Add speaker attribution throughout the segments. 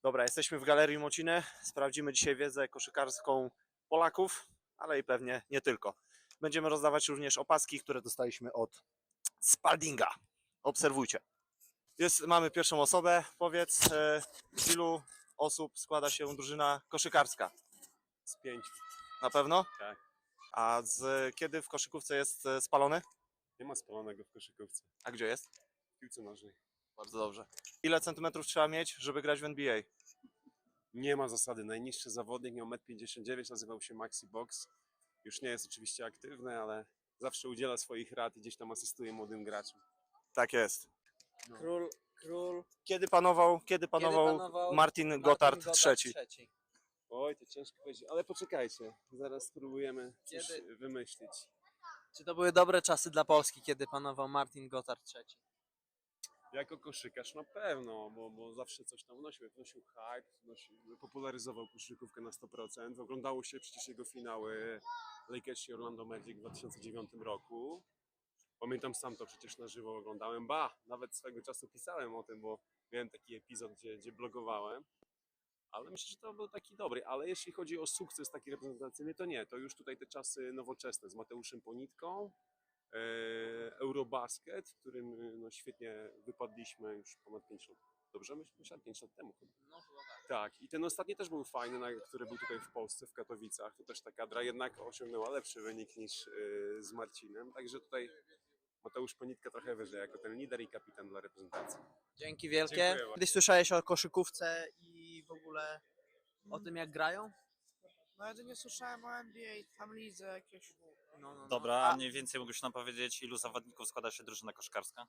Speaker 1: Dobra, jesteśmy w Galerii Mociny. Sprawdzimy dzisiaj wiedzę koszykarską Polaków, ale i pewnie nie tylko. Będziemy rozdawać również opaski, które dostaliśmy od Spaldinga. Obserwujcie. Mamy pierwszą osobę. Powiedz, z ilu osób składa się drużyna koszykarska?
Speaker 2: Z 5.
Speaker 1: Na pewno?
Speaker 2: Tak.
Speaker 1: A kiedy w koszykówce jest spalony?
Speaker 2: Nie ma spalonego w koszykówce.
Speaker 1: A gdzie jest?
Speaker 2: W piłce nożnej.
Speaker 1: Bardzo dobrze. Ile centymetrów trzeba mieć, żeby grać w NBA?
Speaker 2: Nie ma zasady. Najniższy zawodnik miał 1,59 m, nazywał się Maxi Box. Już nie jest oczywiście aktywny, ale zawsze udziela swoich rad i gdzieś tam asystuje młodym graczom.
Speaker 1: Tak jest.
Speaker 2: No.
Speaker 3: Król
Speaker 1: Kiedy panował Martin Gotthard III?
Speaker 2: Oj, to ciężko powiedzieć, ale poczekajcie. Zaraz spróbujemy coś wymyślić.
Speaker 3: Czy to były dobre czasy dla Polski, kiedy panował Martin Gotthard III?
Speaker 2: Jako koszykarz na pewno, bo zawsze coś tam wnosił hype, popularyzował koszykówkę na 100%. Oglądało się przecież jego finały Lakers i Orlando Magic w 2009 roku. Pamiętam, sam to przecież na żywo oglądałem. Nawet swego czasu pisałem o tym, bo miałem taki epizod, gdzie blogowałem. Ale myślę, że to był taki dobry. Ale jeśli chodzi o sukces taki reprezentacyjny, to nie. To już tutaj te czasy nowoczesne z Mateuszem Ponitką, Eurobasket, w którym świetnie wypadliśmy już ponad 5 lat. Dobrze myślę? 5 lat temu chyba.
Speaker 3: No chyba tak.
Speaker 2: Tak, i ten ostatni też był fajny, który był tutaj w Polsce, w Katowicach. To też ta kadra jednak osiągnęła lepszy wynik niż z Marcinem. Także tutaj Mateusz Ponitka trochę wyżej, jako ten lider i kapitan dla reprezentacji.
Speaker 3: Dzięki wielkie.
Speaker 2: Dziękuję bardzo.
Speaker 3: Kiedyś słyszałeś o koszykówce i w ogóle o tym, jak grają?
Speaker 4: No ja to nie słyszałem o NBA, tam lidze jakieś.
Speaker 3: No.
Speaker 5: Dobra, a mniej więcej mógłbyś nam powiedzieć, ilu zawodników składa się drużyna koszkarska?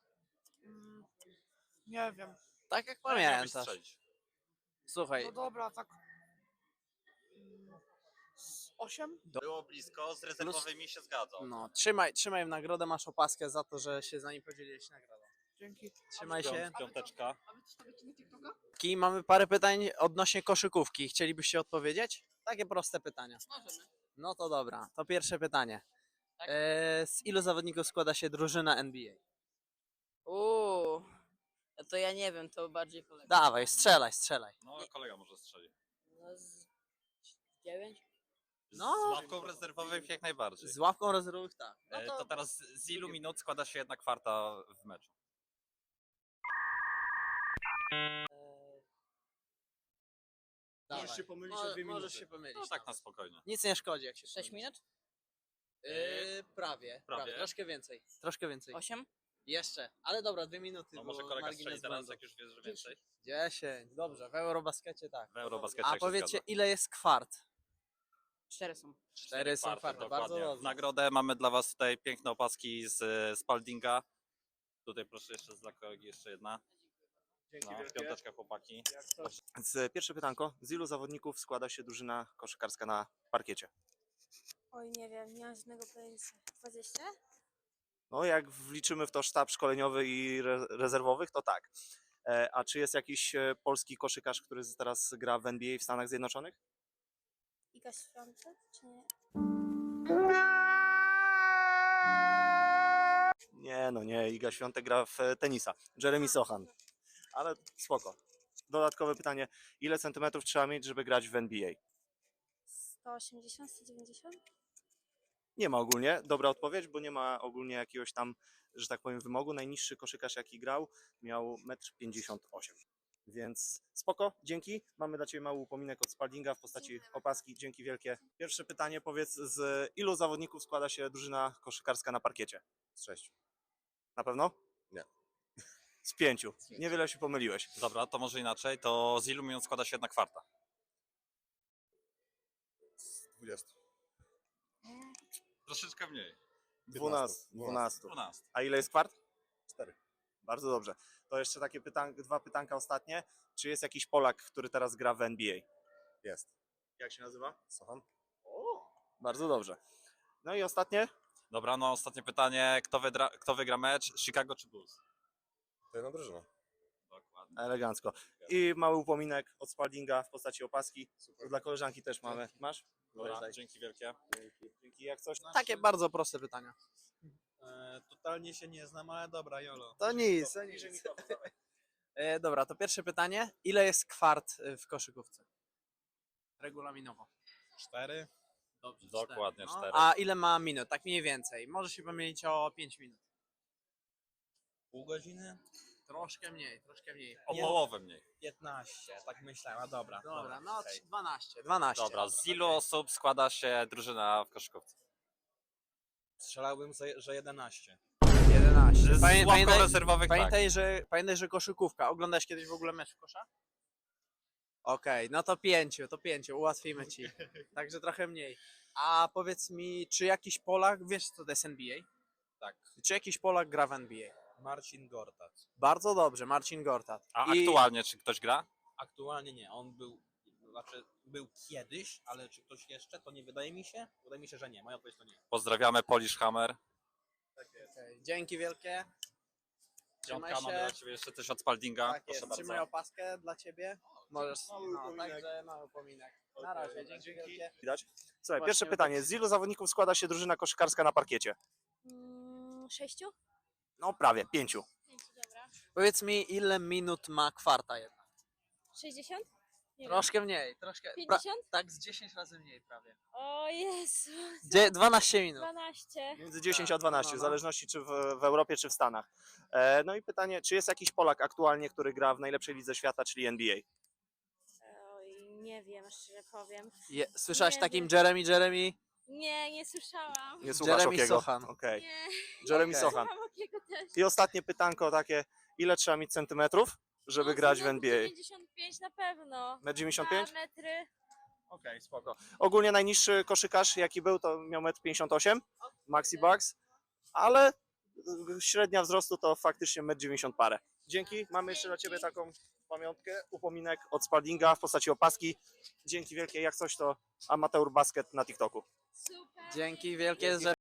Speaker 4: Nie wiem.
Speaker 3: Tak jak
Speaker 5: Miałbyś
Speaker 3: pamiętasz.
Speaker 5: strzelić.
Speaker 3: Słuchaj,
Speaker 4: No dobra, tak. 8?
Speaker 5: Było blisko, z rezerwowymi się zgadzał.
Speaker 3: no, trzymaj w nagrodę, masz opaskę za to, że się z nami podzieliłeś nagrodą.
Speaker 4: Dzięki.
Speaker 3: Trzymaj się.
Speaker 5: Piąteczka.
Speaker 4: A wy to stawiacie na TikToka?
Speaker 3: I mamy parę pytań odnośnie koszykówki. Chcielibyście odpowiedzieć? Takie proste pytania.
Speaker 4: Możemy.
Speaker 3: No to dobra, to pierwsze pytanie.
Speaker 4: Tak.
Speaker 3: Z ilu zawodników składa się drużyna NBA?
Speaker 6: To ja nie wiem, to bardziej kolega.
Speaker 3: Dawaj, strzelaj.
Speaker 5: No, kolega może strzeli.
Speaker 6: No z 9?
Speaker 3: No.
Speaker 5: Z ławką rezerwowych jak najbardziej.
Speaker 3: Z ławką rezerwowych tak.
Speaker 5: To teraz z ilu minut składa się jedna kwarta w meczu?
Speaker 1: Możesz się pomylić o 2 minuty.
Speaker 3: Możesz się pomylić.
Speaker 5: No tak na spokojnie.
Speaker 3: Nic nie szkodzi, jak się
Speaker 6: 6
Speaker 3: pomylisz.
Speaker 6: minut?
Speaker 3: Prawie. Troszkę więcej.
Speaker 6: 8?
Speaker 3: Jeszcze, ale dobra, 2 minuty.
Speaker 5: No może
Speaker 3: bo
Speaker 5: kolega
Speaker 3: margines
Speaker 5: strzeli teraz,
Speaker 3: błędu.
Speaker 5: jak już wiesz, że więcej.
Speaker 3: 10, dobrze, w Eurobaskecie tak.
Speaker 5: W Eurobaskecie
Speaker 3: A
Speaker 5: jak się
Speaker 3: powiedzcie,
Speaker 5: zgadza.
Speaker 3: ile jest kwart?
Speaker 6: 4 są.
Speaker 3: 4 są kwarty, bardzo
Speaker 5: dokładnie. W
Speaker 3: dobrze.
Speaker 5: nagrodę mamy dla was tutaj piękne opaski z Spaldinga. Tutaj proszę jeszcze dla kolegi jeszcze jedna.
Speaker 1: Dzięki
Speaker 5: No,
Speaker 1: wielkie.
Speaker 5: piąteczka chłopaki.
Speaker 1: Pierwsze pytanko. Z ilu zawodników składa się drużyna koszykarska na parkiecie?
Speaker 7: Oj, nie wiem, nie mam żadnego pojęcia. 20?
Speaker 1: No, jak wliczymy w to sztab szkoleniowy i rezerwowych, to tak. A czy jest jakiś polski koszykarz, który teraz gra w NBA w Stanach Zjednoczonych?
Speaker 7: Iga Świątek, czy nie?
Speaker 1: Nie. Iga Świątek gra w tenisa. Jeremy Sochan. Ale spoko. Dodatkowe pytanie. Ile centymetrów trzeba mieć, żeby grać w NBA?
Speaker 7: 180, 190?
Speaker 1: Nie ma ogólnie. Dobra odpowiedź, bo nie ma ogólnie jakiegoś tam, że tak powiem, wymogu. Najniższy koszykarz, jaki grał, miał 1,58 m. Więc spoko, dzięki. Mamy dla Ciebie mały upominek od Spaldinga w postaci opaski. Dzięki wielkie. Pierwsze pytanie, powiedz, z ilu zawodników składa się drużyna koszykarska na parkiecie?
Speaker 2: Z 6.
Speaker 1: Na pewno?
Speaker 2: Nie.
Speaker 1: Z 5. Niewiele się pomyliłeś.
Speaker 5: Dobra, to może inaczej. To z ilu minut składa się jedna kwarta?
Speaker 2: Z 20.
Speaker 5: Troszeczkę mniej.
Speaker 1: 12.
Speaker 5: 12.
Speaker 1: A ile jest kwart?
Speaker 2: 4.
Speaker 1: Bardzo dobrze. To jeszcze takie dwa pytanka ostatnie. Czy jest jakiś Polak, który teraz gra w NBA?
Speaker 2: Jest.
Speaker 1: Jak się nazywa?
Speaker 2: Sochan?
Speaker 1: Bardzo dobrze. No i ostatnie?
Speaker 5: Dobra, no ostatnie pytanie. Kto wygra mecz? Chicago czy Bulls?
Speaker 2: To jedna drużyna.
Speaker 5: Dokładnie.
Speaker 1: Elegancko. I mały upominek od Spaldinga w postaci opaski. Dla koleżanki też mamy. Masz?
Speaker 5: Dobra, dzięki wielkie.
Speaker 1: Dzięki. Jak coś?
Speaker 3: Takie bardzo proste pytania.
Speaker 8: Totalnie się nie znam, ale dobra, Jolo.
Speaker 3: To nic. Dobra, to pierwsze pytanie. Ile jest kwart w koszykówce? Regulaminowo.
Speaker 8: 4.
Speaker 3: Dobrze,
Speaker 5: Dokładnie
Speaker 3: cztery.
Speaker 5: 4.
Speaker 3: A ile ma minut? Tak mniej więcej. Może się pomylić o 5 minut.
Speaker 8: Pół godziny?
Speaker 3: Troszkę mniej, troszkę mniej.
Speaker 5: O połowę mniej.
Speaker 8: 15, tak myślałem, a dobra.
Speaker 3: Dobra, no
Speaker 8: okej.
Speaker 3: 12. 12.
Speaker 5: Dobra, z ilu osób składa się drużyna w koszykówce?
Speaker 8: Strzelałbym, że 11.
Speaker 3: 11.
Speaker 5: Z ławką rezerwowych tak.
Speaker 3: Pamiętaj, że koszykówka. Oglądałeś kiedyś w ogóle mecz w kosza? Okej, no to 5, ułatwimy ci. Także trochę mniej. A powiedz mi, czy jakiś Polak, wiesz co to jest NBA?
Speaker 8: Tak.
Speaker 3: Czy jakiś Polak gra w NBA?
Speaker 8: Marcin Gortat.
Speaker 3: Bardzo dobrze, Marcin Gortat.
Speaker 5: A
Speaker 3: I
Speaker 5: aktualnie czy ktoś gra?
Speaker 8: Aktualnie nie, on był kiedyś, ale czy ktoś jeszcze, to nie wydaje mi się. Wydaje mi się, że nie. Moja odpowiedź to nie.
Speaker 5: Pozdrawiamy Polish Hammer.
Speaker 3: Okej, dzięki wielkie. Trzymaj
Speaker 5: Piątka, mamy
Speaker 3: się.
Speaker 5: dla ciebie jeszcze coś od Spaldinga.
Speaker 3: Tak
Speaker 5: Proszę
Speaker 3: jest,
Speaker 5: bardzo.
Speaker 3: trzymaj opaskę dla ciebie. Możesz,
Speaker 2: Mały
Speaker 3: no,
Speaker 2: upominek.
Speaker 3: także mały upominek. Na razie, dzięki wielkie.
Speaker 1: Widać? Słuchaj,
Speaker 3: Właśnie,
Speaker 1: pierwsze
Speaker 3: no
Speaker 1: pytanie.
Speaker 3: tak.
Speaker 1: Z ilu zawodników składa się drużyna koszykarska na parkiecie?
Speaker 7: 6?
Speaker 1: No prawie, 5.
Speaker 7: 5, dobra.
Speaker 3: Powiedz mi, ile minut ma kwarta jedna?
Speaker 7: 60? Nie
Speaker 3: Troszkę mniej, troszkę.
Speaker 7: wiem. 50?
Speaker 3: Tak, z 10 razy mniej prawie.
Speaker 7: O Jezu.
Speaker 3: 12 minut.
Speaker 7: 12.
Speaker 1: Między 10
Speaker 3: Tak,
Speaker 1: a 12,
Speaker 3: no,
Speaker 1: w
Speaker 3: no.
Speaker 1: zależności czy w Europie, czy w Stanach. No i pytanie, czy jest jakiś Polak aktualnie, który gra w najlepszej lidze świata, czyli NBA?
Speaker 7: Oj, nie wiem, szczerze powiem.
Speaker 3: Słyszałeś
Speaker 7: Nie
Speaker 3: takim
Speaker 7: wiem.
Speaker 3: Jeremy?
Speaker 7: Nie, nie słyszałam.
Speaker 1: Nie słuchasz
Speaker 3: Jeremy
Speaker 1: Okiego?
Speaker 3: Sochan.
Speaker 1: Okej.
Speaker 7: Nie,
Speaker 1: Jeremy
Speaker 3: Okej.
Speaker 1: Sochan.
Speaker 7: słucham Okiego też.
Speaker 1: I ostatnie pytanko takie, ile trzeba mieć centymetrów, żeby grać w
Speaker 7: No,
Speaker 1: NBA?
Speaker 7: 95 na pewno.
Speaker 1: 1,95 m?
Speaker 7: Metry.
Speaker 1: Okej, spoko. Ogólnie najniższy koszykarz jaki był, to miał 1,58 m, Maxi Bucks, ale średnia wzrostu to faktycznie 1,90 m parę. Dzięki, mamy jeszcze dla Ciebie taką pamiątkę, upominek od Spaldinga w postaci opaski. Dzięki wielkie, jak coś to Amateur Basket na TikToku.
Speaker 7: Super.
Speaker 3: Dzięki wielkie, że